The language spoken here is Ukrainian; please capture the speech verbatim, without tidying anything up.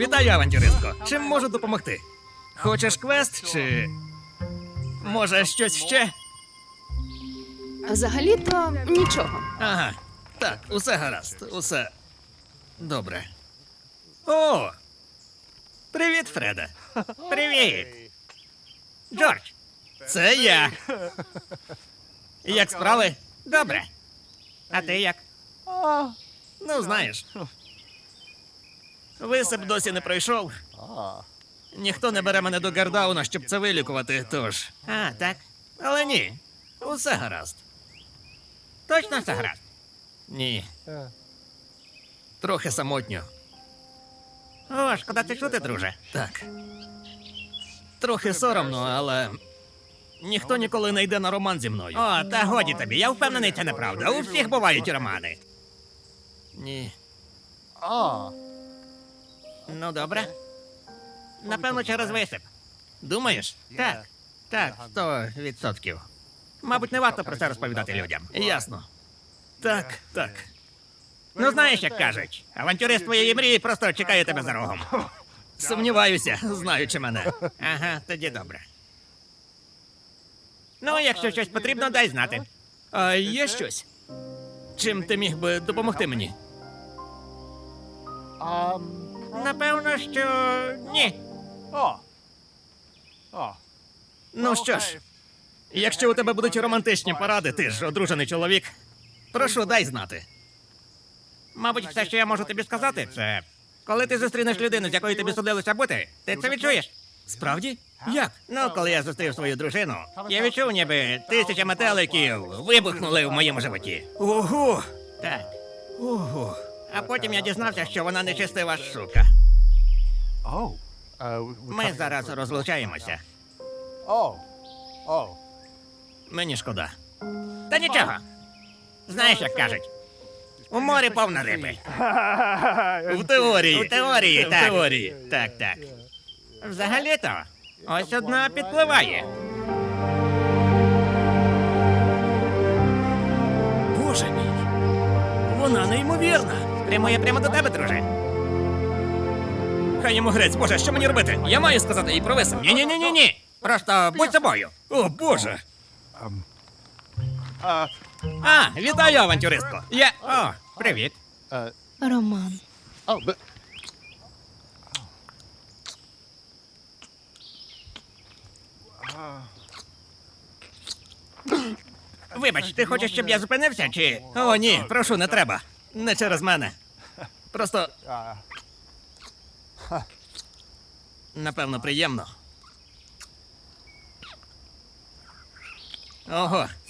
Вітаю, авантюристко. Чим можу допомогти? Хочеш квест чи. Може, щось ще? Взагалі-то нічого. Ага. Так, усе гаразд, усе. Добре. О! Привіт, Фреде. Привіт. Джордж, це я. Як справи? Добре. А ти як? Ну, знаєш. Висип досі не пройшов. Ніхто не бере мене до Гардауна, щоб це вилікувати, тож. А, так. Але ні. Усе гаразд. Точно все гаразд? Ні. Трохи самотньо. О, шкода це чути, друже. Так. Трохи соромно, але. Ніхто ніколи не йде на роман зі мною. О, та годі тобі, я впевнений, це неправда. У всіх бувають романи. Ні. Ну, добре. Напевно, через висип. Думаєш? Так. Так, сто відсотків. Мабуть, не варто про це розповідати людям. Ясно. Так, так. Ну, знаєш, як кажуть, авантюрист твоєї мрії просто чекає тебе за рогом. Сумніваюся, знаючи мене. Ага, тоді добре. Ну, якщо щось потрібно, дай знати. А є щось? Чим ти міг би допомогти мені? Напевно, що ні. Ну що ж, якщо у тебе будуть романтичні поради, ти ж одружений чоловік, прошу, дай знати. Мабуть, все, що я можу тобі сказати, це коли ти зустрінеш людину, з якою тобі судилося бути, ти це відчуєш. Справді? Як? Ну, коли я зустрів свою дружину, я відчув, ніби тисяча метеликів вибухнули в моєму животі. Ого! Так. Ого. А потім я дізнався, що вона нечистива сука. Ми зараз розлучаємося. Мені шкода. Та нічого. Знаєш, як кажуть, у морі повно риби. В теорії. У теорії, так. В теорії. Так, так. Взагалі-то, ось одна підпливає. Боже мій. Вона неймовірна. Прямує прямо до тебе, друже. Хай йому грець, Боже, що мені робити? Я маю сказати їй про висип. Ні-ні-ні-ні-ні. Просто будь собою. О, Боже. А, вітаю, авантюристко. Я... О, привіт. Роман. Вибач, ти хочеш, щоб я зупинився, чи... О, ні, прошу, не треба. Не через мене. Просто... Напевно, приємно. Ого,